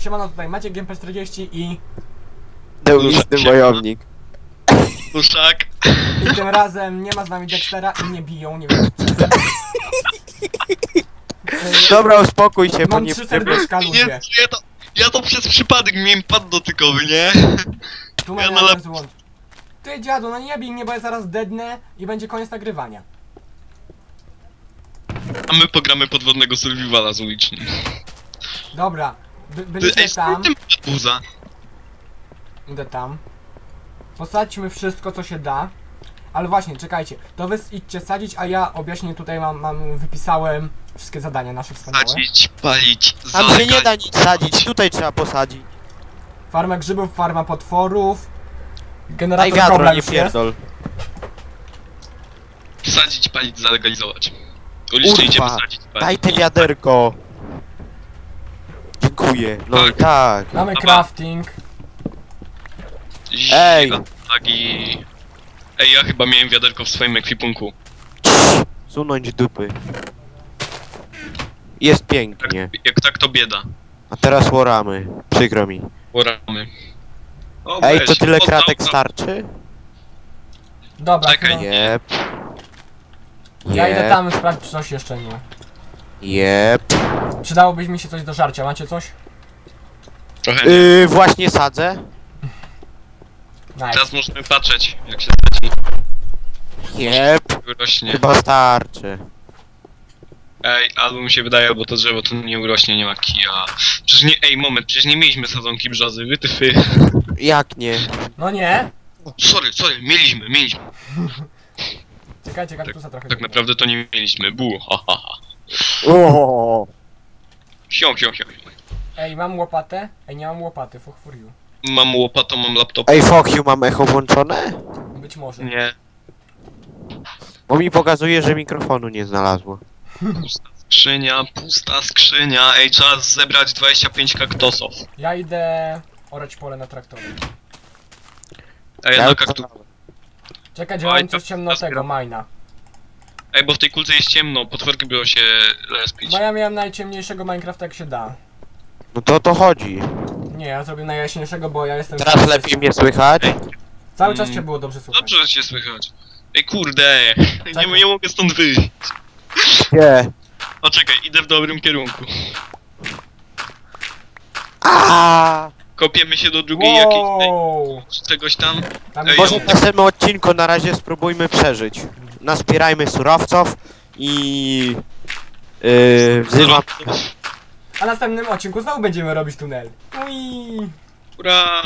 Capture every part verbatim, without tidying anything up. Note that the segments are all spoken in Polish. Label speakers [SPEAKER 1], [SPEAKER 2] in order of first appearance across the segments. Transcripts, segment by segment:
[SPEAKER 1] siemano, tutaj Maciek G M P czterdzieści i...
[SPEAKER 2] Deunistny wojownik.
[SPEAKER 3] Puszak.
[SPEAKER 1] I tym razem nie ma z nami Dextera i nie biją, nie wiem.
[SPEAKER 2] Dobra, uspokój się, bo
[SPEAKER 1] Mam
[SPEAKER 2] nie...
[SPEAKER 1] trzy serduszka,
[SPEAKER 3] Nie,
[SPEAKER 1] ludzie.
[SPEAKER 3] ja to, ja to przez przypadek miałem pad dotykowy, nie?
[SPEAKER 1] Tu
[SPEAKER 3] ja
[SPEAKER 1] ja
[SPEAKER 3] na lep...
[SPEAKER 1] złącz. Ty dziadu, no nie bij mnie, bo ja zaraz dednę i będzie koniec nagrywania.
[SPEAKER 3] A my pogramy podwodnego survivala z ulicznym.
[SPEAKER 1] Dobra, by,
[SPEAKER 3] Ty,
[SPEAKER 1] byliśmy
[SPEAKER 3] ej,
[SPEAKER 1] tam.
[SPEAKER 3] tym buza.
[SPEAKER 1] Idę tam. Posadźmy wszystko, co się da. Ale właśnie, czekajcie, to wy idźcie sadzić, a ja objaśnię tutaj, mam, mam wypisałem wszystkie zadania nasze wspaniałe.
[SPEAKER 3] Sadzić, palić,
[SPEAKER 2] Tam się nie da nic
[SPEAKER 3] zalegać.
[SPEAKER 2] sadzić, tutaj trzeba posadzić.
[SPEAKER 1] Farma grzybów, farma potworów.
[SPEAKER 2] Daj
[SPEAKER 1] Generator
[SPEAKER 2] wiadro,
[SPEAKER 1] kobla
[SPEAKER 2] nie
[SPEAKER 1] już jest.
[SPEAKER 2] pierdol.
[SPEAKER 3] Sadzić, palić, zalegalizować. Ulicznie idziemy
[SPEAKER 2] Urwa,
[SPEAKER 3] sadzić, palić.
[SPEAKER 2] daj te wiaderko. Dziękuję, no
[SPEAKER 3] Tak.
[SPEAKER 2] i tak.
[SPEAKER 1] Mamy
[SPEAKER 3] Dobra.
[SPEAKER 1] crafting.
[SPEAKER 2] Ej.
[SPEAKER 3] Lagi. Ej, ja chyba miałem wiaderko w swoim ekwipunku.
[SPEAKER 2] Sunąć dupy. Jest pięknie.
[SPEAKER 3] Jak, jak tak to bieda.
[SPEAKER 2] A teraz łoramy. Przykro mi.
[SPEAKER 3] Poramy. O,
[SPEAKER 2] Ej,
[SPEAKER 3] weź,
[SPEAKER 2] to tyle
[SPEAKER 3] o,
[SPEAKER 2] kratek
[SPEAKER 3] o, o.
[SPEAKER 2] starczy?
[SPEAKER 1] Dobra,
[SPEAKER 3] Czekaj,
[SPEAKER 1] no,
[SPEAKER 2] Jep.
[SPEAKER 1] ja idę
[SPEAKER 2] Jep.
[SPEAKER 1] tam sprawdzić, czy coś jeszcze nie ma.
[SPEAKER 2] Jep.
[SPEAKER 1] Przydałoby mi się coś do żarcia, macie coś?
[SPEAKER 3] Trochę.
[SPEAKER 2] Yy, właśnie sadzę.
[SPEAKER 1] Nice.
[SPEAKER 3] Teraz możemy patrzeć, jak się sadzi.
[SPEAKER 2] Jep.
[SPEAKER 3] Urośnie.
[SPEAKER 2] Chyba starczy.
[SPEAKER 3] Ej, albo mi się wydaje, bo to drzewo to nie urośnie, nie ma kija. Przecież nie, ej, moment, przecież nie mieliśmy sadzonki brzozy, wytyfy.
[SPEAKER 2] Jak nie?
[SPEAKER 1] No nie!
[SPEAKER 3] Sorry, sorry, mieliśmy, mieliśmy.
[SPEAKER 1] Czekajcie, kaktusa trochę.
[SPEAKER 3] Tak naprawdę to nie mieliśmy, bu, ha, ha, ha.
[SPEAKER 2] O.
[SPEAKER 3] Sią, sią, sią.
[SPEAKER 1] Ej, mam łopatę? Ej, nie mam łopaty, fuck for you.
[SPEAKER 3] Mam łopatą, mam laptop.
[SPEAKER 2] Ej, fuck you, mam echo włączone?
[SPEAKER 1] Być może.
[SPEAKER 3] Nie,
[SPEAKER 2] Bo mi pokazuje, że mikrofonu nie znalazło.
[SPEAKER 3] pusta skrzynia, pusta skrzynia. Ej, trzeba zebrać dwadzieścia pięć kaktosów.
[SPEAKER 1] Ja idę orać pole na traktorze.
[SPEAKER 3] Ej,
[SPEAKER 2] Ja
[SPEAKER 3] na
[SPEAKER 2] już
[SPEAKER 3] kaktu...
[SPEAKER 1] Czekaj, że
[SPEAKER 3] Oj,
[SPEAKER 1] mam
[SPEAKER 3] to-
[SPEAKER 1] coś ciemnotego, majna.
[SPEAKER 3] Ej, bo w tej kulce jest ciemno, potworki będą się lespić.
[SPEAKER 1] Bo ja miałem najciemniejszego Minecrafta jak się da.
[SPEAKER 2] No to o to chodzi.
[SPEAKER 1] Nie, ja zrobię najjaśniejszego, bo ja jestem...
[SPEAKER 2] Teraz lepiej mnie słychać.
[SPEAKER 1] Cały czas
[SPEAKER 3] Mm.
[SPEAKER 1] cię było dobrze słuchać.
[SPEAKER 3] Dobrze, że cię słychać. Ej, kurde, nie,
[SPEAKER 1] Czekaj.
[SPEAKER 3] nie mogę stąd wyjść.
[SPEAKER 2] Nie.
[SPEAKER 3] O, czekaj, idę w dobrym kierunku.
[SPEAKER 2] Aaaa!
[SPEAKER 3] Kopiemy się do drugiej jakiejś... Ej,
[SPEAKER 1] Wow!
[SPEAKER 3] czegoś tam.
[SPEAKER 1] Tam
[SPEAKER 3] Ej,
[SPEAKER 2] Może
[SPEAKER 3] ja-
[SPEAKER 2] w następnym odcinku na razie spróbujmy przeżyć. Nazbierajmy surowców i... Yy, wzywam...
[SPEAKER 1] A w następnym odcinku znowu będziemy robić tunel. Ui.
[SPEAKER 3] Ura!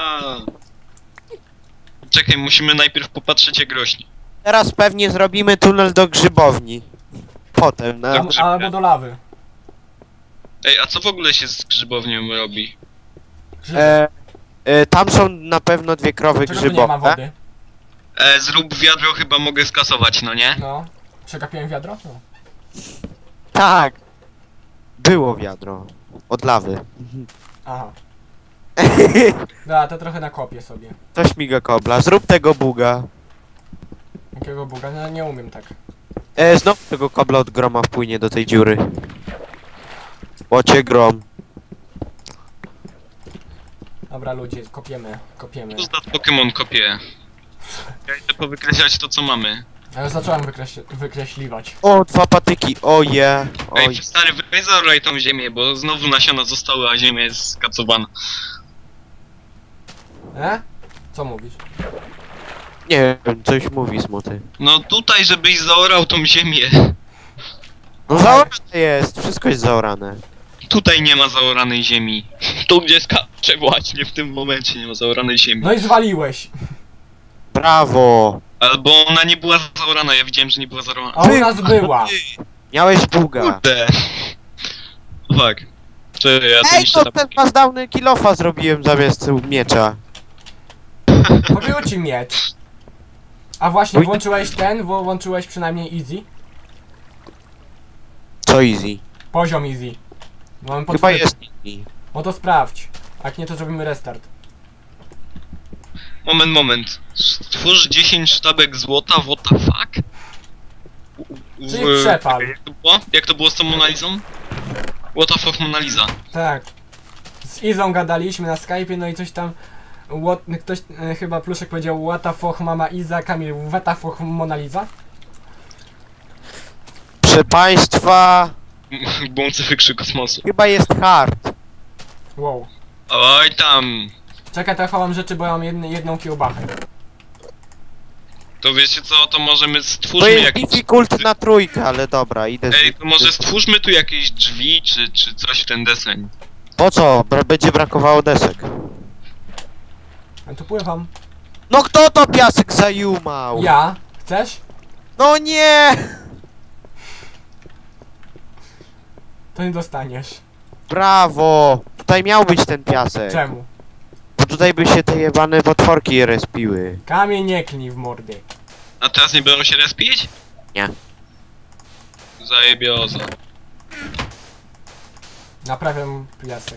[SPEAKER 3] Czekaj, musimy najpierw popatrzeć jak rośnie.
[SPEAKER 2] Teraz pewnie zrobimy tunel do grzybowni. Potem, na...
[SPEAKER 3] Dobrze.
[SPEAKER 1] Albo do lawy.
[SPEAKER 3] Ej, a co w ogóle się z grzybownią robi?
[SPEAKER 1] Grzyby.
[SPEAKER 2] E, e, tam są na pewno dwie krowy
[SPEAKER 1] Czego tu nie ma
[SPEAKER 2] grzybowe.
[SPEAKER 1] wody?
[SPEAKER 3] E, zrób wiadro, chyba mogę skasować, no nie?
[SPEAKER 1] No. Przegapiłem wiadro? No.
[SPEAKER 2] Tak. Było wiadro. Od lawy.
[SPEAKER 1] Aha. Dobra, to trochę nakopię sobie.
[SPEAKER 2] To śmiga kobla. Zrób tego buga.
[SPEAKER 1] Jakiego buga? No nie umiem tak.
[SPEAKER 2] E, znowu tego kobla od groma wpłynie do tej dziury. Łocie grom.
[SPEAKER 1] Dobra ludzie, kopiemy, kopiemy.
[SPEAKER 3] Co za Pokémon kopię? Ja idę powykreślać to, co mamy.
[SPEAKER 1] Ja już zacząłem wykreśl wykreśliwać.
[SPEAKER 2] O, dwa patyki. O je.
[SPEAKER 3] Ej,
[SPEAKER 2] Oj.
[SPEAKER 3] stary, weź zaoraj tą ziemię, bo znowu nasiona zostały, a ziemia jest skacowana.
[SPEAKER 1] E? Co mówisz?
[SPEAKER 2] Nie wiem, coś mówi smuty.
[SPEAKER 3] No tutaj, żebyś zaorał tą ziemię.
[SPEAKER 2] No zaorane jest. Wszystko jest zaorane.
[SPEAKER 3] Tutaj nie ma zaoranej ziemi. Tu gdzie skacze właśnie w tym momencie nie ma zaoranej ziemi.
[SPEAKER 1] No i zwaliłeś!
[SPEAKER 2] Brawo.
[SPEAKER 3] Albo ona nie była zaorana, ja widziałem, że nie była zaorana.
[SPEAKER 1] A u nas była!
[SPEAKER 2] Miałeś buga.
[SPEAKER 3] Kurde. Fuck. Czy ja to
[SPEAKER 2] Ej,
[SPEAKER 3] niszczę
[SPEAKER 2] to ten mazdałny kilofa zrobiłem zamiast miecza.
[SPEAKER 1] Pobiło ci miecz. A właśnie, włączyłeś ten, wo- włączyłeś przynajmniej easy?
[SPEAKER 2] Co easy?
[SPEAKER 1] Poziom easy. Bo Mamy
[SPEAKER 2] Chyba
[SPEAKER 1] podchwyt-
[SPEAKER 2] jest easy.
[SPEAKER 1] No to sprawdź. Jak nie, to zrobimy restart.
[SPEAKER 3] Moment, moment. Stwórz dziesięć sztabek złota, what the fuck?
[SPEAKER 1] Czyli przepal.
[SPEAKER 3] Jak to było? Jak to było z tą Monalizą? What the fuck Monaliza?
[SPEAKER 1] Tak. z Izą gadaliśmy na Skype'ie, no i coś tam... What, ktoś, e, chyba Pluszek powiedział what the fuck mama Iza, Kamil what the fuck Mona Lisa.
[SPEAKER 2] Proszę państwa,
[SPEAKER 3] Bący wykrzy kosmosu.
[SPEAKER 2] chyba jest hard.
[SPEAKER 1] Wow.
[SPEAKER 3] Oj tam.
[SPEAKER 1] Czekaj, to ja chowam rzeczy, bo ja mam jedny, jedną kiełbachę.
[SPEAKER 3] To wiecie co, to możemy
[SPEAKER 2] To
[SPEAKER 3] stwórzmy
[SPEAKER 2] jest
[SPEAKER 3] jakieś...
[SPEAKER 2] difficult na trójkę, ale dobra, idę z...
[SPEAKER 3] Ej, to może stwórzmy tu jakieś drzwi, czy, czy coś w ten deseń.
[SPEAKER 2] Po co? Bra będzie brakowało desek.
[SPEAKER 1] Ja tu pływam.
[SPEAKER 2] No kto to piasek zajumał?
[SPEAKER 1] Ja? Chcesz?
[SPEAKER 2] No nie!
[SPEAKER 1] To nie dostaniesz.
[SPEAKER 2] Brawo! Tutaj miał być ten piasek.
[SPEAKER 1] Czemu?
[SPEAKER 2] Bo tutaj by się te jebane potworki respiły.
[SPEAKER 1] Kamień nie klnij w mordy.
[SPEAKER 3] A teraz nie będą się respić?
[SPEAKER 2] Nie.
[SPEAKER 3] Zajebioza.
[SPEAKER 1] Naprawiam piasek.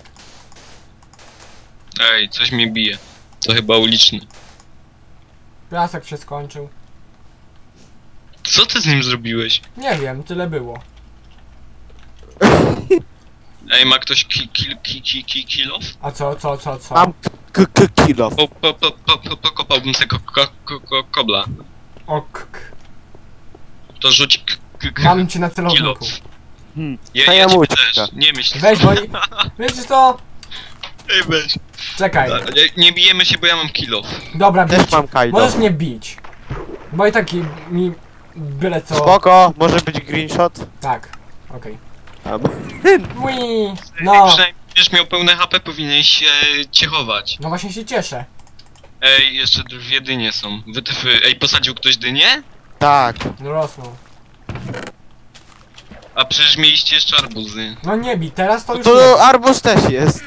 [SPEAKER 3] Ej, coś mnie bije. To chyba uliczny.
[SPEAKER 1] Piasek się skończył.
[SPEAKER 3] Co ty z nim zrobiłeś?
[SPEAKER 1] Nie wiem, tyle było.
[SPEAKER 3] Ej, ma ktoś ki, ki, ki, ki, ki, kill off?
[SPEAKER 1] A co, co, co, co?
[SPEAKER 2] Mam k k kilo.
[SPEAKER 3] Po, po, po, po, po, pokopałbym sobie ko, ko, ko, ko, kobla.
[SPEAKER 1] Ok.
[SPEAKER 3] To rzuć k, k, k,
[SPEAKER 1] Mam cię na
[SPEAKER 3] kill
[SPEAKER 1] celowniku.
[SPEAKER 3] off.
[SPEAKER 2] Hmm.
[SPEAKER 3] Je,
[SPEAKER 2] To
[SPEAKER 3] ja
[SPEAKER 2] ja
[SPEAKER 3] ciebie
[SPEAKER 2] mućka.
[SPEAKER 3] też, nie myśl.
[SPEAKER 1] Weź, bo... i- Wiecie co?
[SPEAKER 3] Ej, weź.
[SPEAKER 1] Czekaj.
[SPEAKER 3] Nie, nie bijemy się, bo ja mam kill off.
[SPEAKER 1] Dobra, bić.
[SPEAKER 2] Też mam kajdo.
[SPEAKER 1] Możesz mnie bić. Bo i tak i- mi... Byle co...
[SPEAKER 2] Spoko, może być green shot?
[SPEAKER 1] Tak. Okej.
[SPEAKER 2] Tam.
[SPEAKER 1] Ui,
[SPEAKER 3] No.
[SPEAKER 1] No.
[SPEAKER 3] Przynajmniej będziesz miał pełne H P, powinieneś się ciechować.
[SPEAKER 1] No właśnie się cieszę.
[SPEAKER 3] Ej, jeszcze dwie dynie są. Wytyfy. Ej, posadził ktoś dynię?
[SPEAKER 2] Tak.
[SPEAKER 1] No rosną.
[SPEAKER 3] A przecież mieliście jeszcze arbuzy.
[SPEAKER 1] No nie bij, teraz to
[SPEAKER 2] No
[SPEAKER 1] już nie.
[SPEAKER 2] to arbuz też jest.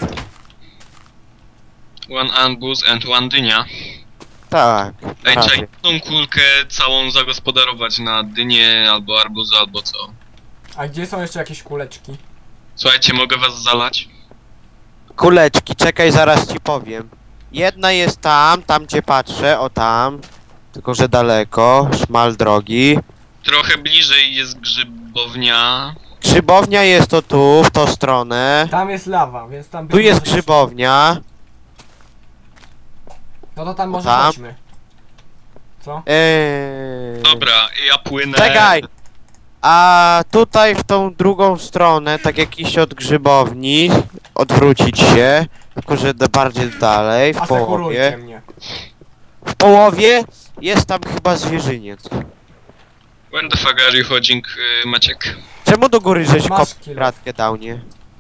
[SPEAKER 3] One arbuz and one dynia.
[SPEAKER 2] Tak.
[SPEAKER 3] Ej,
[SPEAKER 2] prawie.
[SPEAKER 3] trzeba tą kulkę całą zagospodarować na dynię, albo arbuza, albo co.
[SPEAKER 1] A gdzie są jeszcze jakieś kuleczki?
[SPEAKER 3] Słuchajcie, mogę was zalać?
[SPEAKER 2] Kuleczki, czekaj, zaraz ci powiem. Jedna jest tam, tam gdzie patrzę, o tam. Tylko że daleko, szmal drogi.
[SPEAKER 3] Trochę bliżej jest grzybownia.
[SPEAKER 2] Grzybownia jest to tu, w tą stronę.
[SPEAKER 1] Tam jest lawa, więc tam...
[SPEAKER 2] Tu jest grzybownia.
[SPEAKER 1] No to tam może
[SPEAKER 2] Tam.
[SPEAKER 1] chodźmy. Co?
[SPEAKER 2] Eee...
[SPEAKER 3] Dobra, ja płynę.
[SPEAKER 2] Czekaj! A tutaj w tą drugą stronę, tak jak iść od grzybowni, odwrócić się, tylko że da- bardziej dalej, w
[SPEAKER 1] Asekurujcie
[SPEAKER 2] połowie.
[SPEAKER 1] mnie.
[SPEAKER 2] W połowie jest tam chyba zwierzyniec.
[SPEAKER 3] When the fuck are you chodzik, yy, Maciek?
[SPEAKER 2] Czemu do góry żeś
[SPEAKER 1] Masz
[SPEAKER 2] kop
[SPEAKER 1] kilo.
[SPEAKER 2] kratkę dał, nie?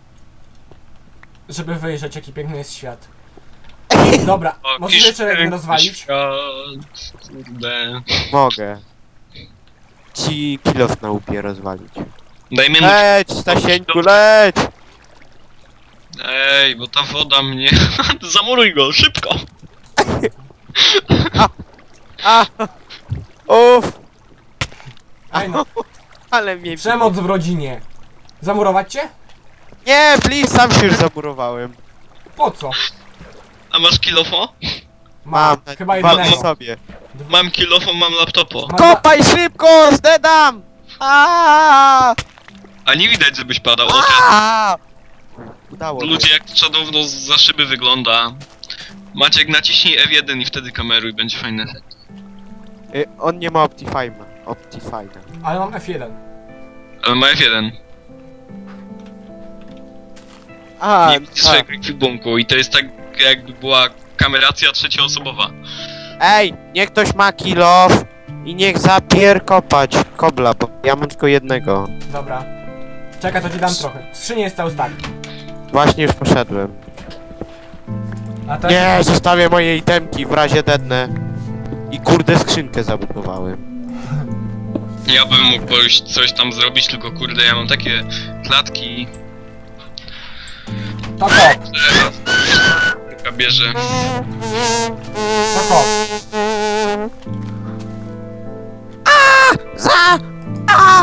[SPEAKER 1] Żeby wyjrzeć, jaki piękny jest świat. Dobra,
[SPEAKER 3] O,
[SPEAKER 1] możesz jeszcze jeden
[SPEAKER 3] piękny
[SPEAKER 1] rozwalić?
[SPEAKER 3] świat, Kurde.
[SPEAKER 2] Mogę. Ci kilof na łupie rozwalić.
[SPEAKER 3] Dajmy mu...
[SPEAKER 2] Leć, Stasieńku, leć!
[SPEAKER 3] Ej, bo ta woda mnie... Zamuruj go, szybko!
[SPEAKER 2] A! Uff!
[SPEAKER 1] Aj no,
[SPEAKER 2] Ale mnie...
[SPEAKER 1] przemoc w rodzinie. Zamurować cię?
[SPEAKER 2] Nie, please, sam się już zamurowałem.
[SPEAKER 1] Po co?
[SPEAKER 3] A masz kilofo?
[SPEAKER 1] Mam,
[SPEAKER 2] tak,
[SPEAKER 1] chyba
[SPEAKER 2] dwa
[SPEAKER 1] jednego.
[SPEAKER 2] sobie.
[SPEAKER 3] Mam kilofo, mam laptopo.
[SPEAKER 1] Mam
[SPEAKER 2] Kopaj szybko, zdedam! Aaaa!
[SPEAKER 3] A nie widać, żebyś padał. O, teraz
[SPEAKER 2] Aaaa! Udało się.
[SPEAKER 3] ludzie jak Shadow za szyby wygląda. Maciek, naciśnij F jeden i wtedy kameruj, będzie fajny efekt.
[SPEAKER 2] Y, on nie ma Optifine'a. Optifine'a.
[SPEAKER 1] Ale mam F jeden.
[SPEAKER 3] Ale ma F jeden.
[SPEAKER 2] A,
[SPEAKER 3] Nie widzisz swojego ekwipunku i to jest tak jakby była kameracja trzecioosobowa.
[SPEAKER 2] Ej, niech ktoś ma kilof i niech zapier kopać kobla, bo ja mam tylko jednego.
[SPEAKER 1] Dobra. Czekaj, to ci dam trochę. W skrzyni jest cały stack.
[SPEAKER 2] Właśnie już poszedłem.
[SPEAKER 1] A to
[SPEAKER 2] Nie, zostawię moje itemki w razie dednę. I kurde skrzynkę zabudowałem.
[SPEAKER 3] Ja bym mógł pójść coś tam zrobić, tylko kurde, ja mam takie klatki,
[SPEAKER 1] To kop,
[SPEAKER 3] że raz taka bierze.
[SPEAKER 1] to kop.
[SPEAKER 2] Za! A!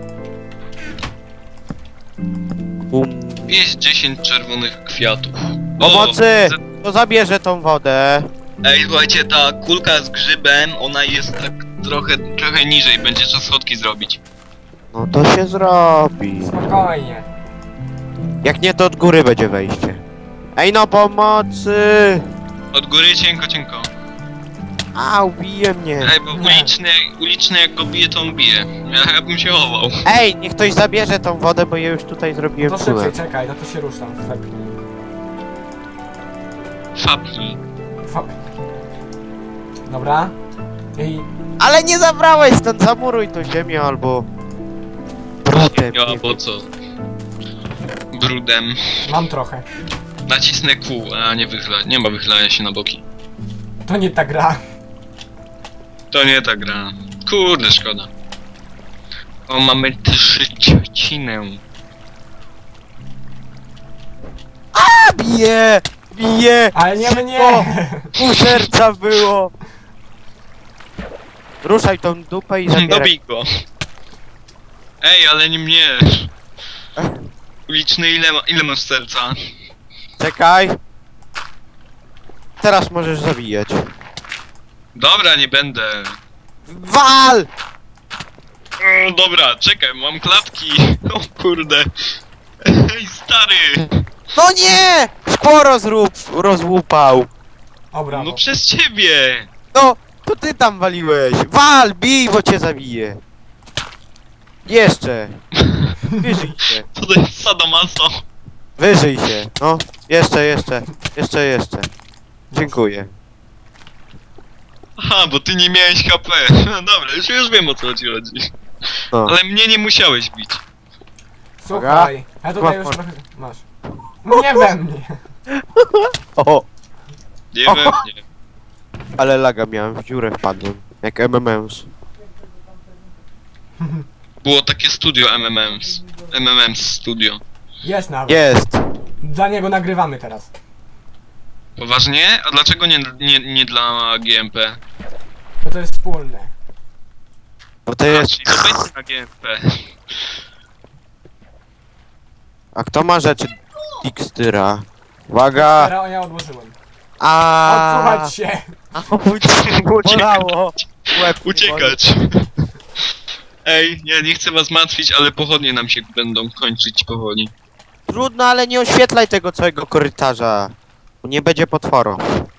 [SPEAKER 2] Bum.
[SPEAKER 3] Wieś dziesięć czerwonych kwiatów.
[SPEAKER 2] Pomocy! To zabierze tą wodę.
[SPEAKER 3] Ej, słuchajcie, ta kulka z grzybem, ona jest tak trochę, trochę niżej, będzie trzeba schodki zrobić.
[SPEAKER 2] No to się zrobi.
[SPEAKER 1] Spokojnie.
[SPEAKER 2] Jak nie, to od góry będzie wejście. Ej no pomocy!
[SPEAKER 3] Od góry cienko, cienko.
[SPEAKER 2] Au, bije mnie.
[SPEAKER 3] Ej, bo uliczny, uliczny jak go bije, to on bije. Ja, ja bym się chował.
[SPEAKER 2] Ej, niech ktoś zabierze tą wodę, bo ja już tutaj zrobiłem
[SPEAKER 1] To szybciej,
[SPEAKER 2] kulę.
[SPEAKER 1] czekaj, no to się ruszam. Fepnij.
[SPEAKER 3] Fapnij.
[SPEAKER 1] Fepnij. Dobra. I
[SPEAKER 2] Ale nie zabrałeś stąd, zamuruj tą ziemię albo... Brudem.
[SPEAKER 3] No, bo co? Brudem.
[SPEAKER 1] mam trochę.
[SPEAKER 3] Nacisnę kół, a nie wychyla, nie ma wychylania się na boki.
[SPEAKER 1] To nie ta gra.
[SPEAKER 3] To nie ta gra. Kurde, szkoda. O, mamy trzcinę.
[SPEAKER 2] A bije! Bije!
[SPEAKER 1] Ale nie mnie!
[SPEAKER 2] O, pół serca było! Ruszaj tą dupę i zabieraj.
[SPEAKER 3] Dobij go. Ej, ale nie mnie. Uliczny, ile, ma, ile masz serca?
[SPEAKER 2] Czekaj. Teraz możesz zabijać.
[SPEAKER 3] Dobra, nie będę.
[SPEAKER 2] Wal!
[SPEAKER 3] O, dobra, czekaj, mam klapki. O kurde. Ej, stary.
[SPEAKER 2] No nie! Szkło rozrób, rozłupał.
[SPEAKER 1] O, brawo.
[SPEAKER 3] No przez ciebie.
[SPEAKER 2] No, to ty tam waliłeś. Wal, bij, bo cię zabiję. Jeszcze. Wyżyj się.
[SPEAKER 3] Co to jest sadomaso?
[SPEAKER 2] Wyżyj się. No, jeszcze, jeszcze. Jeszcze, jeszcze. Dziękuję.
[SPEAKER 3] Aha, bo ty nie miałeś H P. No dobra, już, już wiem o co ci chodzi.
[SPEAKER 2] No.
[SPEAKER 3] Ale mnie nie musiałeś bić.
[SPEAKER 1] Słuchaj, ja tutaj już
[SPEAKER 2] Masz.
[SPEAKER 1] trochę... Masz. Nie we mnie.
[SPEAKER 2] O,
[SPEAKER 3] Nie we mnie.
[SPEAKER 2] ale laga miałem, w dziurę wpadłem. Jak M M Ms.
[SPEAKER 3] Było takie studio M M Ms. M M Ms studio.
[SPEAKER 1] Jest nawet.
[SPEAKER 2] Jest.
[SPEAKER 1] Dla niego nagrywamy teraz.
[SPEAKER 3] Poważnie? A dlaczego nie, nie, nie dla G M P?
[SPEAKER 1] Bo to jest wspólne.
[SPEAKER 2] Bo to
[SPEAKER 3] A,
[SPEAKER 2] jest...
[SPEAKER 3] czyli to będzie na G M P.
[SPEAKER 2] A kto ma rzeczy Dixtyra? Uwaga!
[SPEAKER 1] Teraz ja odłożyłem.
[SPEAKER 2] A.
[SPEAKER 1] Odsuwać się.
[SPEAKER 2] Bolało. Łeb mi boli.
[SPEAKER 3] Uciekać. Ej, ja nie chcę was martwić, ale pochodnie nam się będą kończyć powoli.
[SPEAKER 2] Trudno, ale nie oświetlaj tego całego korytarza. Bo nie będzie potworu.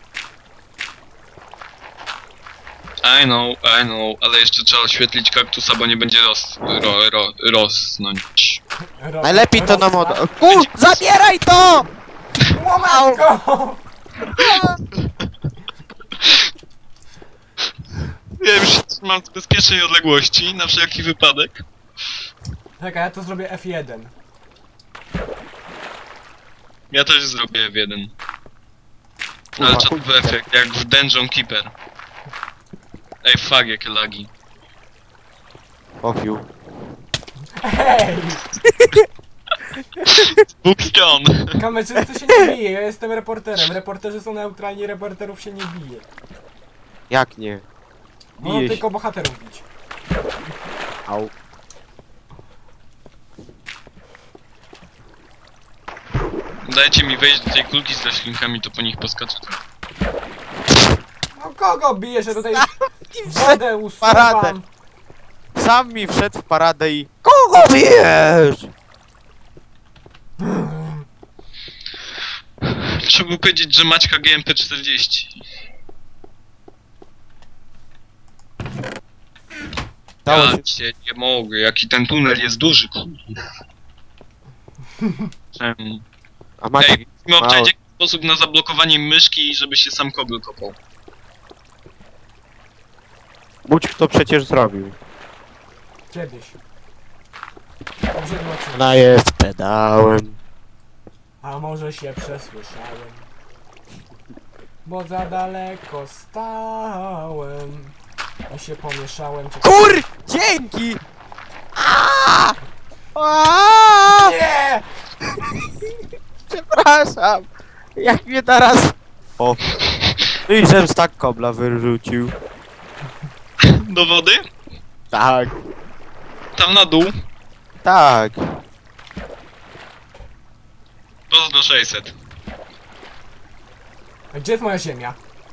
[SPEAKER 3] I know, I know, ale jeszcze trzeba oświetlić kaktusa, bo nie będzie ros, ro, ro, rosnąć.
[SPEAKER 1] Ro-
[SPEAKER 2] Najlepiej to nam
[SPEAKER 1] rozwa-
[SPEAKER 2] od... Ku! Zabieraj to!
[SPEAKER 1] Łomatko!
[SPEAKER 3] Ja już mam z bezpiecznej odległości, na wszelki wypadek.
[SPEAKER 1] Czekaj, ja to zrobię F jeden.
[SPEAKER 3] Ja też zrobię w jeden. Ale czatowy efekt, jak w Dungeon Keeper. Ej, fuck, jakie lagi.
[SPEAKER 2] Ofiu.
[SPEAKER 1] Hej!
[SPEAKER 3] Bookstone!
[SPEAKER 1] Kamerzysty się nie bije, ja jestem reporterem. Reporterzy są neutralni, reporterów się nie bije.
[SPEAKER 2] Jak nie?
[SPEAKER 1] Mogą
[SPEAKER 2] Bije się.
[SPEAKER 1] tylko bohaterów bić.
[SPEAKER 2] Au.
[SPEAKER 3] Dajcie mi wejść do tej kulki z roślinkami, to po nich poskaczę.
[SPEAKER 1] No kogo bijesz, że tutaj
[SPEAKER 2] I
[SPEAKER 1] wodę
[SPEAKER 2] paradę.
[SPEAKER 1] usuwam?
[SPEAKER 2] Sam mi wszedł w paradę i... Kogo bijesz?
[SPEAKER 3] Trzeba było powiedzieć, że Maćka G M P czterdzieści.
[SPEAKER 2] Dało
[SPEAKER 3] Ja
[SPEAKER 2] się...
[SPEAKER 3] cię nie mogę, jaki ten tunel jest duży. Czemu?
[SPEAKER 2] A macie...
[SPEAKER 3] Ej, musimy
[SPEAKER 2] mało.
[SPEAKER 3] obczaić jakiś sposób na zablokowanie myszki, żeby się sam kobel kopał.
[SPEAKER 2] Budź kto przecież zrobił.
[SPEAKER 1] Kiedyś. Dobrze zobaczymy.
[SPEAKER 2] Ona jest pedałem.
[SPEAKER 1] A może się przesłyszałem? Bo za daleko stałem. Ja się pomieszałem. Czekaj.
[SPEAKER 2] Kur! Dzięki! Aaaa! Aaaa!
[SPEAKER 1] Nie!
[SPEAKER 2] Przepraszam! Jak mnie teraz... O! No i żem tak kobla wyrzucił.
[SPEAKER 3] Do wody?
[SPEAKER 2] Tak.
[SPEAKER 3] Tam na dół.
[SPEAKER 2] Tak.
[SPEAKER 3] Pozdro sześćset.
[SPEAKER 1] A gdzie jest moja ziemia?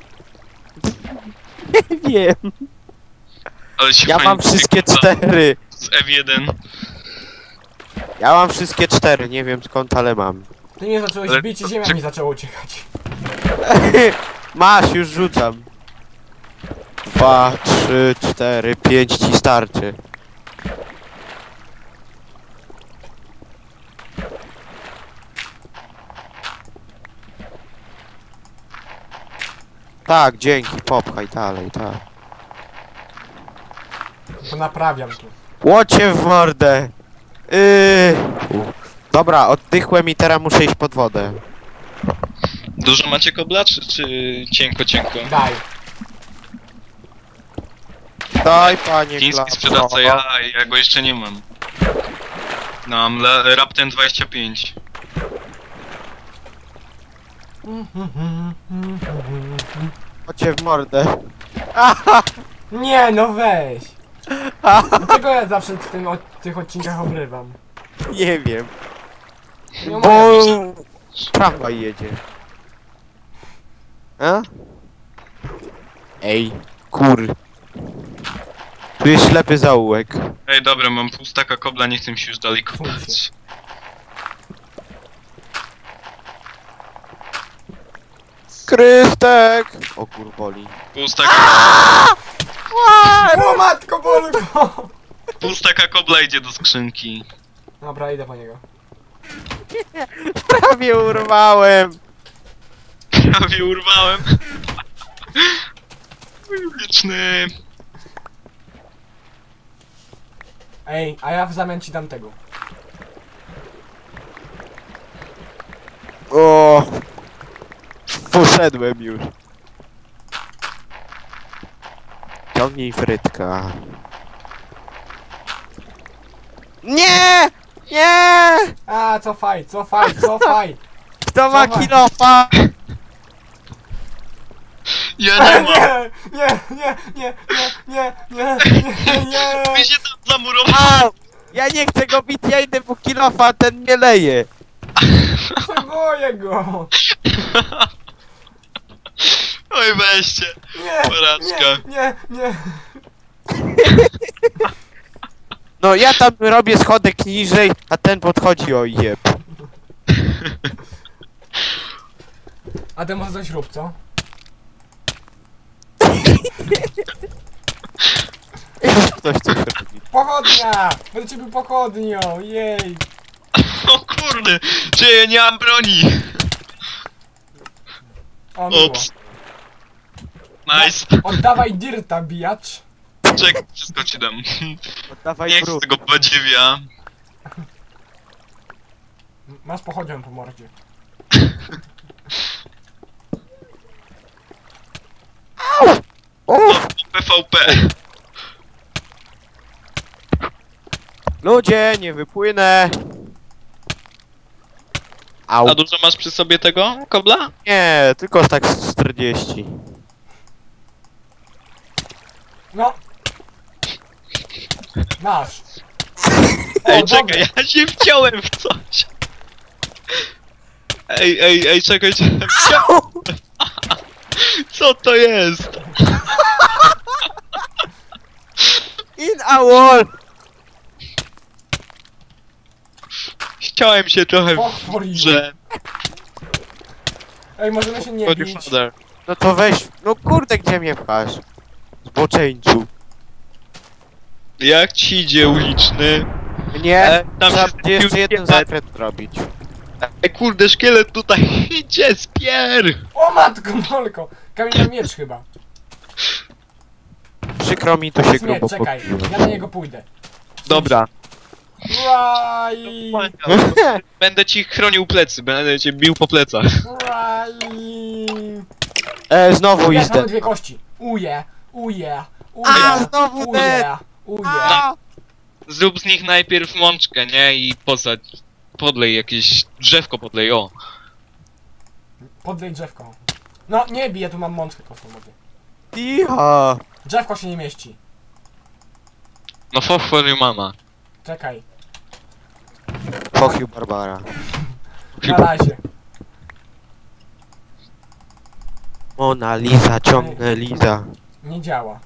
[SPEAKER 2] Nie wiem.
[SPEAKER 3] Ale się
[SPEAKER 2] Ja
[SPEAKER 3] fajnie
[SPEAKER 2] mam wszystkie
[SPEAKER 3] wykrywa
[SPEAKER 2] cztery.
[SPEAKER 3] z F jeden.
[SPEAKER 2] Ja mam wszystkie cztery, nie wiem skąd, ale mam.
[SPEAKER 1] Ty mnie zacząłeś
[SPEAKER 3] Ale
[SPEAKER 1] bić i
[SPEAKER 3] to-
[SPEAKER 1] ziemia
[SPEAKER 3] czy-
[SPEAKER 1] mi zaczęła uciekać.
[SPEAKER 2] Masz, już rzucam. Dwa, trzy, cztery, pięć ci starczy. Tak, dzięki, popchaj dalej, tak.
[SPEAKER 1] To naprawiam tu.
[SPEAKER 2] Łocie w mordę! Yy. Dobra, oddychłem i teraz muszę iść pod wodę.
[SPEAKER 3] Dużo macie kobla, czy, czy cienko, cienko?
[SPEAKER 1] Daj.
[SPEAKER 2] Daj, panie
[SPEAKER 3] Chiński
[SPEAKER 2] Klapso.
[SPEAKER 3] sprzedawca, ja, ja go jeszcze nie mam. No, mam la- Rapten dwadzieścia pięć.
[SPEAKER 2] Łocie w mordę.
[SPEAKER 1] Nie, no weź. Dlaczego ja zawsze w tym, od, tych odcinkach obrywam?
[SPEAKER 2] Nie wiem.
[SPEAKER 1] Nie
[SPEAKER 2] Bo...
[SPEAKER 1] mogę.
[SPEAKER 2] Tramwaj jedzie. A? Ej, kur. Tu jest ślepy zaułek.
[SPEAKER 3] Ej, dobra, mam pół staka kobla, nie chcę mi się już dalej kopać.
[SPEAKER 2] Krystek! O kur boli.
[SPEAKER 3] Pół staka,
[SPEAKER 1] O matko bolko!
[SPEAKER 3] pół staka kobla idzie do skrzynki.
[SPEAKER 1] Dobra, idę po niego.
[SPEAKER 2] Prawie urwałem.
[SPEAKER 3] Prawie urwałem. Mój wieczny.
[SPEAKER 1] Ej, a ja w zamian ci dam tego.
[SPEAKER 2] O. Poszedłem już. Ciągnij frytka. Nie! Nie!
[SPEAKER 1] A, cofaj, cofaj, cofaj!
[SPEAKER 2] Kto ma
[SPEAKER 1] Dawaj.
[SPEAKER 2] kilofa?
[SPEAKER 3] Ja
[SPEAKER 1] E,
[SPEAKER 3] nie mam.
[SPEAKER 1] nie, nie, nie, nie, nie, nie, nie, nie.
[SPEAKER 3] Wy się tam zamurował.
[SPEAKER 2] Au! Ja nie chcę go bić, ja idę po kilofa, a ten mnie leje.
[SPEAKER 1] Boję go!
[SPEAKER 3] Oj, weźcie.
[SPEAKER 1] Nie,
[SPEAKER 3] Porażka.
[SPEAKER 1] nie, nie, nie.
[SPEAKER 2] No ja tam robię schodek niżej, a ten podchodzi, o jeb.
[SPEAKER 1] A ty może coś rób, co?
[SPEAKER 2] Ktoś coś robi.
[SPEAKER 1] Pochodnia! Będę cię był pochodnią, jej!
[SPEAKER 3] O kurde, czy ja nie mam broni?
[SPEAKER 1] O, miło.
[SPEAKER 3] Ups. Nice.
[SPEAKER 1] Oddawaj dirta, bijacz!
[SPEAKER 3] Czekaj, wszystko ci dam.
[SPEAKER 2] Oddawaj
[SPEAKER 3] Nie chcę
[SPEAKER 2] brud.
[SPEAKER 3] tego badziewia.
[SPEAKER 1] Masz pochodnią po mordzie.
[SPEAKER 2] Uff!
[SPEAKER 3] P V P.
[SPEAKER 2] Ludzie, nie wypłynę. Au.
[SPEAKER 3] A dużo masz przy sobie tego kobla?
[SPEAKER 2] Nie, tylko tak z czterdzieści.
[SPEAKER 1] No! Masz!
[SPEAKER 3] Ej,
[SPEAKER 1] dobra.
[SPEAKER 3] czekaj, ja się wciąłem w coś. Ej, ej, ej, czekaj, czekaj. Co to jest?
[SPEAKER 2] In a wall!
[SPEAKER 3] Chciałem się trochę
[SPEAKER 1] Och,
[SPEAKER 3] w
[SPEAKER 1] Boris.
[SPEAKER 3] grze.
[SPEAKER 1] Ej, możemy się nie
[SPEAKER 3] God your
[SPEAKER 1] bić.
[SPEAKER 3] father.
[SPEAKER 2] No to weź, no kurde, gdzie mnie pchasz? Zboczeńcu.
[SPEAKER 3] Jak ci idzie uliczny?
[SPEAKER 2] Nie,
[SPEAKER 3] E, tam
[SPEAKER 2] trzeba
[SPEAKER 3] się
[SPEAKER 2] będzie jeszcze
[SPEAKER 3] zbił
[SPEAKER 2] jeden
[SPEAKER 3] szkielet.
[SPEAKER 2] zakręt robić.
[SPEAKER 3] Ej, kurde, szkielet tutaj idzie, spier!
[SPEAKER 1] O matko, molko! Kamienny miecz chyba.
[SPEAKER 2] Przykro mi, to się
[SPEAKER 1] Jest miecz,
[SPEAKER 2] grubo
[SPEAKER 1] czekaj.
[SPEAKER 2] popiło.
[SPEAKER 1] Ja na niego pójdę.
[SPEAKER 3] Dobra.
[SPEAKER 1] Raj!
[SPEAKER 3] Będę ci chronił plecy, będę cię bił po plecach.
[SPEAKER 1] Raj!
[SPEAKER 2] E, znowu
[SPEAKER 1] Ja
[SPEAKER 2] idę.
[SPEAKER 1] mam dwie kości. Uje, uje, uje,
[SPEAKER 2] A, znowu
[SPEAKER 1] uje,
[SPEAKER 2] dead.
[SPEAKER 1] uje.
[SPEAKER 2] A!
[SPEAKER 3] Zrób z nich najpierw mączkę, nie? I posadź, podlej jakieś drzewko, podlej, o.
[SPEAKER 1] Podlej drzewko. No, nie bij, ja tu mam mączkę kostną wody.
[SPEAKER 2] Cicho.
[SPEAKER 1] Drzewko się nie mieści.
[SPEAKER 3] No for for your mama.
[SPEAKER 1] Czekaj.
[SPEAKER 2] Fuck you, Barbara.
[SPEAKER 1] Na razie.
[SPEAKER 2] Mona Lisa, ciągnę Liza.
[SPEAKER 1] Nie działa.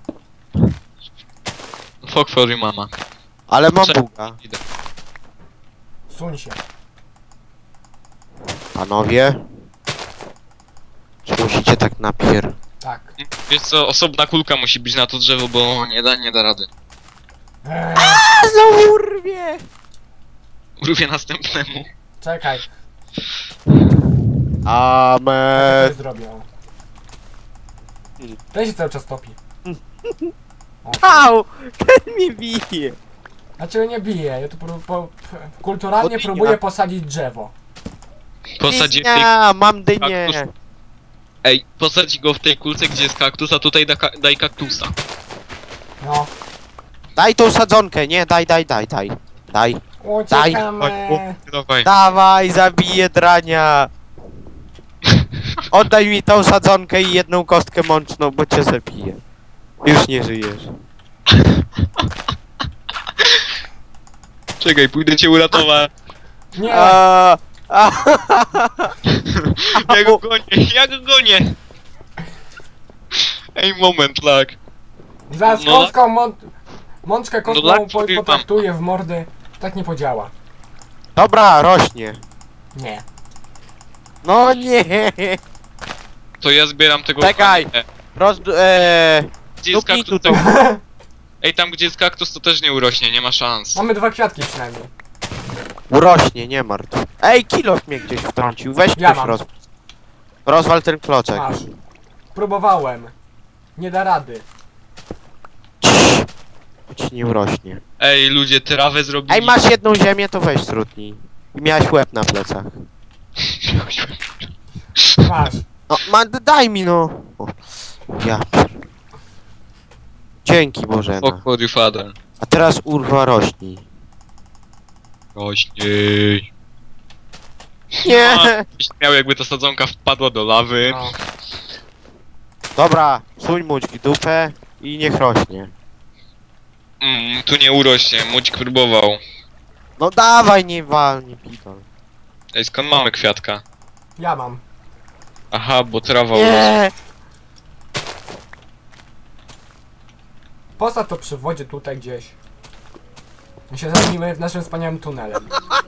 [SPEAKER 3] Fuck for your mama.
[SPEAKER 2] Ale mam
[SPEAKER 3] Cze-
[SPEAKER 2] buga.
[SPEAKER 3] Idę.
[SPEAKER 1] Suń się.
[SPEAKER 2] Panowie? Czy musicie tak napier...
[SPEAKER 1] Tak.
[SPEAKER 3] Wiesz co, osobna kulka musi być na to drzewo, bo nie da, nie da rady.
[SPEAKER 1] Eee,
[SPEAKER 2] A znowu urwie!
[SPEAKER 3] Urwie następnemu.
[SPEAKER 1] czekaj, co
[SPEAKER 2] Amen.
[SPEAKER 1] zrobią? Ten się cały czas topi. O,
[SPEAKER 2] Au! Ten mnie bije!
[SPEAKER 1] dlaczego nie bije? Ja tu pró- po, p- kulturalnie
[SPEAKER 2] Odmienia.
[SPEAKER 1] próbuję posadzić drzewo.
[SPEAKER 3] Posadzi w tej...
[SPEAKER 2] Dynia, mam dynię!
[SPEAKER 3] Kaktus. Ej, posadź go w tej kulce, gdzie jest kaktus, a tutaj da ka daj kaktusa.
[SPEAKER 1] No.
[SPEAKER 2] Daj tą sadzonkę, nie, daj, daj, daj, daj. Daj.
[SPEAKER 1] Uciekamy!
[SPEAKER 3] Dawaj.
[SPEAKER 2] Dawaj, zabiję drania! Oddaj mi tą sadzonkę i jedną kostkę mączną, bo cię zabiję. Już nie żyjesz.
[SPEAKER 3] Czekaj, pójdę cię uratować.
[SPEAKER 1] Nie!
[SPEAKER 2] A, a,
[SPEAKER 3] Ja go gonię, ja go gonię! Ej, moment, lag.
[SPEAKER 1] Za z
[SPEAKER 3] no.
[SPEAKER 1] kostką mą mączkę kostką
[SPEAKER 3] No tak,
[SPEAKER 1] po
[SPEAKER 3] powiem wam.
[SPEAKER 1] potraktuję w mordy. Tak nie podziała.
[SPEAKER 2] Dobra, rośnie.
[SPEAKER 1] Nie.
[SPEAKER 2] No nie.
[SPEAKER 3] To ja zbieram tego...
[SPEAKER 2] Czekaj.
[SPEAKER 3] E,
[SPEAKER 2] Roz... Eee,
[SPEAKER 3] Gdzie jest
[SPEAKER 2] dupnij
[SPEAKER 3] kaktus,
[SPEAKER 2] tu
[SPEAKER 3] to...
[SPEAKER 2] to.
[SPEAKER 3] Ej, tam gdzie jest kaktus, to też nie urośnie, nie ma szans.
[SPEAKER 1] Mamy dwa kwiatki przynajmniej.
[SPEAKER 2] Urośnie, nie martw. Ej, kilof mnie gdzieś wtrącił. Weź
[SPEAKER 1] Ja
[SPEAKER 2] ktoś
[SPEAKER 1] mam.
[SPEAKER 2] roz... Rozwal ten kloczek.
[SPEAKER 1] Masz. Próbowałem. Nie da rady.
[SPEAKER 2] Cii. Bo ci nie urośnie.
[SPEAKER 3] Ej, ludzie, trawę zrobili.
[SPEAKER 2] Ej, masz jedną ziemię, to weź trudniej. I miałeś łeb na plecach.
[SPEAKER 1] Masz.
[SPEAKER 2] No, ma, daj mi no. O, ja pier... Dzięki Bożena.
[SPEAKER 3] O, God, you father.
[SPEAKER 2] A teraz urwa rośnij.
[SPEAKER 3] Rośnij.
[SPEAKER 2] Nie!
[SPEAKER 3] Byś miał, jakby ta sadzonka wpadła do lawy.
[SPEAKER 1] No.
[SPEAKER 2] Dobra, suń mućk w dupę i niech rośnie.
[SPEAKER 3] Mm, tu nie urośnie, Mudzik próbował.
[SPEAKER 2] No dawaj, nie wal, nie pitol.
[SPEAKER 3] Ej, skąd mamy kwiatka?
[SPEAKER 1] Ja mam.
[SPEAKER 3] Aha, bo trawa urosła.
[SPEAKER 2] Nie!
[SPEAKER 1] Posadź to przy wodzie tutaj gdzieś. My się zajmijmy w naszym wspaniałym tunelem.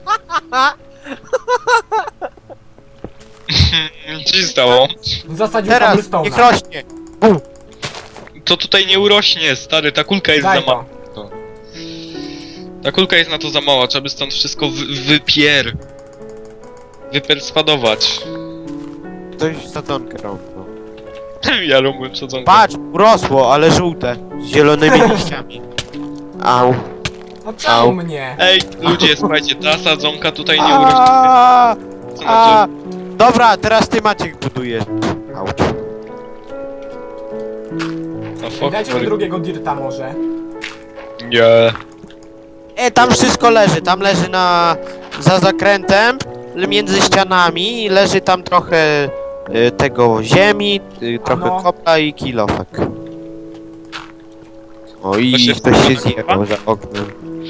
[SPEAKER 3] Co się stało?
[SPEAKER 1] Zasadził
[SPEAKER 2] Teraz,
[SPEAKER 1] cobblestone'a.
[SPEAKER 2] niech rośnie! Bum!
[SPEAKER 3] To tutaj nie urośnie, stary, ta kulka jest
[SPEAKER 1] Daj
[SPEAKER 3] za mała.
[SPEAKER 1] to.
[SPEAKER 3] Ta kulka jest na to za mała, trzeba by stąd wszystko wy wypier... Wyperswadować.
[SPEAKER 2] Ktoś sadzonkę rąbnął.
[SPEAKER 3] Ja lubię sadzonkę.
[SPEAKER 2] Patrz, urosło, ale żółte. Z zielonymi liściami. Au.
[SPEAKER 1] No czemu
[SPEAKER 2] Au.
[SPEAKER 1] mnie?
[SPEAKER 3] Ej, ludzie, słuchajcie, ta sadzonka tutaj nie urośnie.
[SPEAKER 2] A,
[SPEAKER 3] Co
[SPEAKER 2] a,
[SPEAKER 3] znaczy?
[SPEAKER 2] dobra, teraz ty Maciek budujesz. Auć.
[SPEAKER 3] No fuck,
[SPEAKER 1] Dajcie mi
[SPEAKER 3] sorry.
[SPEAKER 1] drugiego dirta może.
[SPEAKER 3] Nie.
[SPEAKER 2] E, tam wszystko leży, tam leży na... za zakrętem, między ścianami, leży tam trochę y, tego ziemi, y, trochę
[SPEAKER 1] Ano.
[SPEAKER 2] kopla i kilofek. O i
[SPEAKER 3] To się
[SPEAKER 2] ktoś się
[SPEAKER 3] wkurza,
[SPEAKER 2] zjebał za oknem.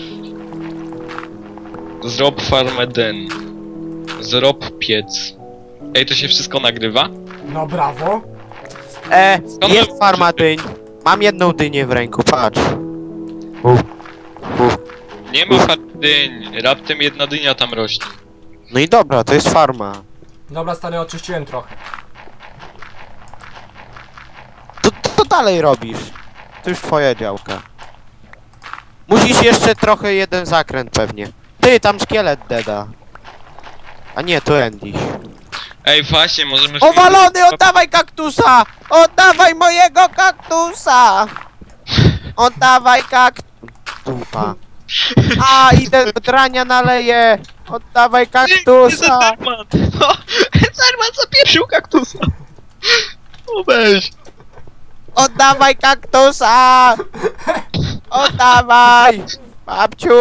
[SPEAKER 3] Zrob farmę den. Zrob piec. Ej, to się wszystko nagrywa?
[SPEAKER 1] No brawo.
[SPEAKER 2] E,
[SPEAKER 3] Skąd
[SPEAKER 2] jest
[SPEAKER 3] wy-
[SPEAKER 2] farma dyń. Mam jedną dynię w ręku, patrz. Uf. Uf.
[SPEAKER 3] Nie ma farmy dyń. Raptem jedna dynia tam rośnie.
[SPEAKER 2] No i dobra, to jest farma.
[SPEAKER 1] Dobra stary, oczyściłem trochę.
[SPEAKER 2] To, to, to dalej robisz. To już twoja działka. Musisz jeszcze trochę jeden zakręt pewnie. Ty, tam szkielet deda. A nie, to Endiś.
[SPEAKER 3] Ej, właśnie, możemy...
[SPEAKER 2] Owalony, oddawaj kaktusa! Oddawaj mojego kaktusa! Oddawaj kaktusa! Dupa. A, idę do drania naleję! Oddawaj kaktusa!
[SPEAKER 3] Zerman! No, Zerman zapieprzył kaktusa! O weź!
[SPEAKER 2] Oddawaj kaktusa! Oddawaj! Babciu!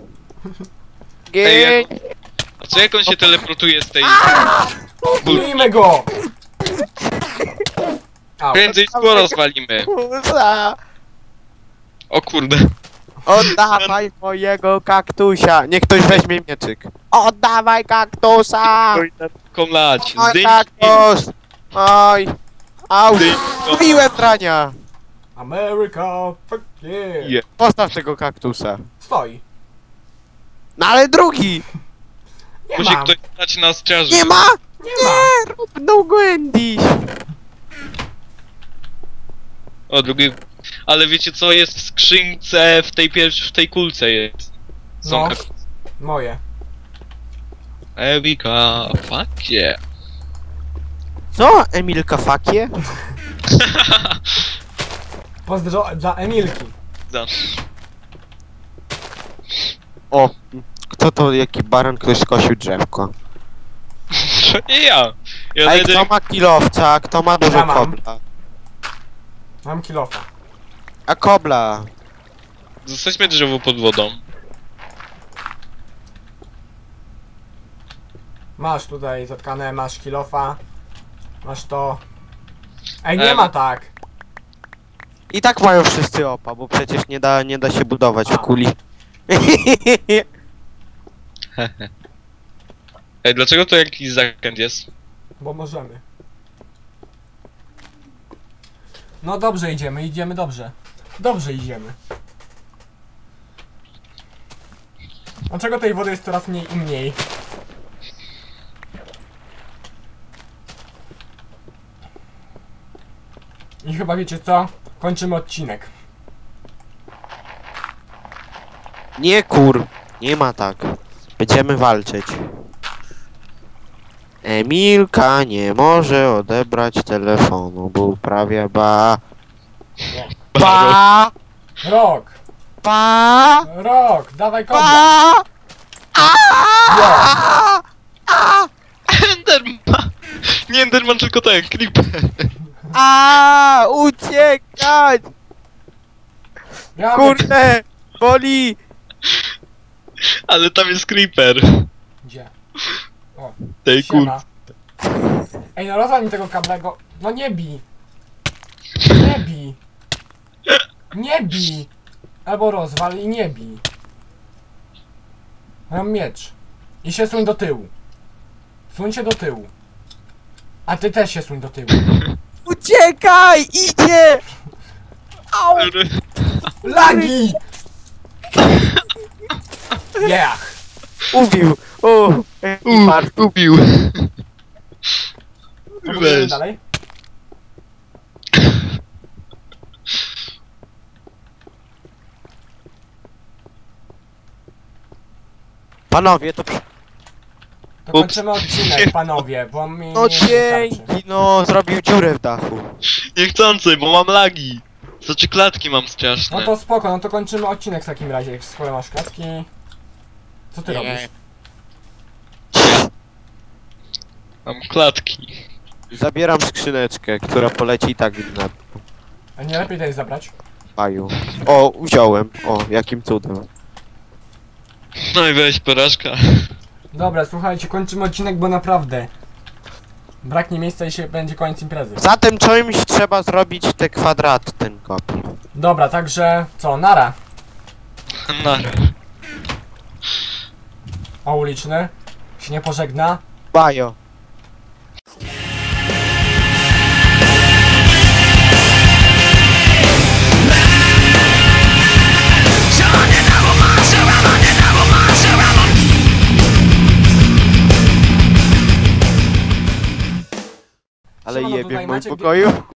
[SPEAKER 3] Ej,
[SPEAKER 2] Gień!
[SPEAKER 3] A co jak on się teleportuje z tej...
[SPEAKER 1] Bijmy go! Au.
[SPEAKER 3] Prędzej szkło rozwalimy.
[SPEAKER 2] Kaktusa!
[SPEAKER 3] O kurde.
[SPEAKER 2] Oddawaj mojego kaktusia! Niech ktoś weźmie mieczyk. Oddawaj kaktusa!
[SPEAKER 3] Komlać.
[SPEAKER 2] Oj,
[SPEAKER 3] Zdejmij
[SPEAKER 2] kaktus! Oj! Au!
[SPEAKER 3] zdejmij go.
[SPEAKER 2] Mówiłem drania!
[SPEAKER 1] America, fuck yeah.
[SPEAKER 3] Je.
[SPEAKER 2] Postaw tego kaktusa.
[SPEAKER 1] Stoi.
[SPEAKER 2] No ale drugi!
[SPEAKER 1] Nie
[SPEAKER 3] Musi
[SPEAKER 1] mam.
[SPEAKER 3] ktoś stać na straży.
[SPEAKER 2] Nie ma!
[SPEAKER 1] Nie ma.
[SPEAKER 2] No Gwendy!
[SPEAKER 3] O, drugi... Ale wiecie co, jest w skrzynce, w tej pierwszej, w tej kulce jest. Są
[SPEAKER 1] No.
[SPEAKER 3] kak-
[SPEAKER 1] Moje.
[SPEAKER 3] Ewika, fuck yeah.
[SPEAKER 2] Co? Emilka fakie?
[SPEAKER 1] Pozdro dla Emilki.
[SPEAKER 3] Da.
[SPEAKER 2] O, kto to, jaki baran, ktoś skosił drzewko.
[SPEAKER 3] To nie ja. Ja
[SPEAKER 2] Ej,
[SPEAKER 3] jedynie...
[SPEAKER 2] kto ma kilowca, kto ma dużo
[SPEAKER 1] Ja mam.
[SPEAKER 2] kobla?
[SPEAKER 1] Mam kilofa.
[SPEAKER 2] A kobla?
[SPEAKER 3] Zostaćmy drzewo pod wodą.
[SPEAKER 1] Masz tutaj zatkane, masz kilofa. Masz to. Ej, nie
[SPEAKER 3] Em.
[SPEAKER 1] ma tak.
[SPEAKER 2] I tak mają wszyscy opa, bo przecież nie da, nie da się budować
[SPEAKER 1] A.
[SPEAKER 2] w kuli.
[SPEAKER 3] Ej, dlaczego to jakiś zakręt jest?
[SPEAKER 1] Bo możemy. No dobrze idziemy, idziemy dobrze. Dobrze idziemy. Dlaczego tej wody jest coraz mniej i mniej? I chyba wiecie co? Kończymy odcinek.
[SPEAKER 2] Nie kur, nie ma tak. Będziemy walczyć. Emilka nie może odebrać telefonu, bo uprawia ba... Ba...
[SPEAKER 1] Rok!
[SPEAKER 2] Ba...
[SPEAKER 1] Rok! Dawaj kobla!
[SPEAKER 2] Ba... A! A!
[SPEAKER 3] Enderman! Nie Enderman, tylko ten, Creeper.
[SPEAKER 2] A! Uciekać!
[SPEAKER 1] Ja
[SPEAKER 2] Kurde! Boli!
[SPEAKER 3] Ale tam jest Creeper.
[SPEAKER 1] Gdzie?
[SPEAKER 3] Tej kur...
[SPEAKER 1] Siema. Ej, no rozwal mi tego kablego. No nie bij. Nie bij. Nie bij. Albo rozwal i nie bij. Mam miecz. I się suń do tyłu. Suń się do tyłu. A ty też się suń do tyłu.
[SPEAKER 2] Uciekaj! Idzie! Au!
[SPEAKER 1] Lagi! Yeah.
[SPEAKER 2] Ubił! O!
[SPEAKER 3] Uff, ubił.
[SPEAKER 1] To pójdziemy
[SPEAKER 3] Weź.
[SPEAKER 1] dalej.
[SPEAKER 2] Panowie, to... przy-
[SPEAKER 1] To
[SPEAKER 3] Ups.
[SPEAKER 1] kończymy odcinek, panowie, bo mi
[SPEAKER 2] No
[SPEAKER 1] nie wystarczy.
[SPEAKER 2] dzięki, no zrobił dziurę w dachu.
[SPEAKER 3] Niechcący, bo mam lagi. Znaczy klatki mam straszne.
[SPEAKER 1] No to spoko, no to kończymy odcinek w takim razie, skoro masz klatki. Co ty
[SPEAKER 2] Nie.
[SPEAKER 1] robisz?
[SPEAKER 3] Mam klatki.
[SPEAKER 2] Zabieram skrzyneczkę, która poleci i tak na
[SPEAKER 1] A nie lepiej tutaj zabrać?
[SPEAKER 2] paju. O, wziąłem. O, jakim cudem.
[SPEAKER 3] No i weź porażka.
[SPEAKER 1] Dobra, słuchajcie, kończymy odcinek, bo naprawdę braknie miejsca i się będzie koniec imprezy.
[SPEAKER 2] Zatem czymś trzeba zrobić te kwadraty, ten kopi.
[SPEAKER 1] Dobra, także co, nara.
[SPEAKER 3] No.
[SPEAKER 1] A uliczny się nie pożegna.
[SPEAKER 2] Bajo. Ale
[SPEAKER 1] Siemano,
[SPEAKER 2] jebie
[SPEAKER 1] tutaj
[SPEAKER 2] w moim
[SPEAKER 1] Maciek-
[SPEAKER 2] pokoju.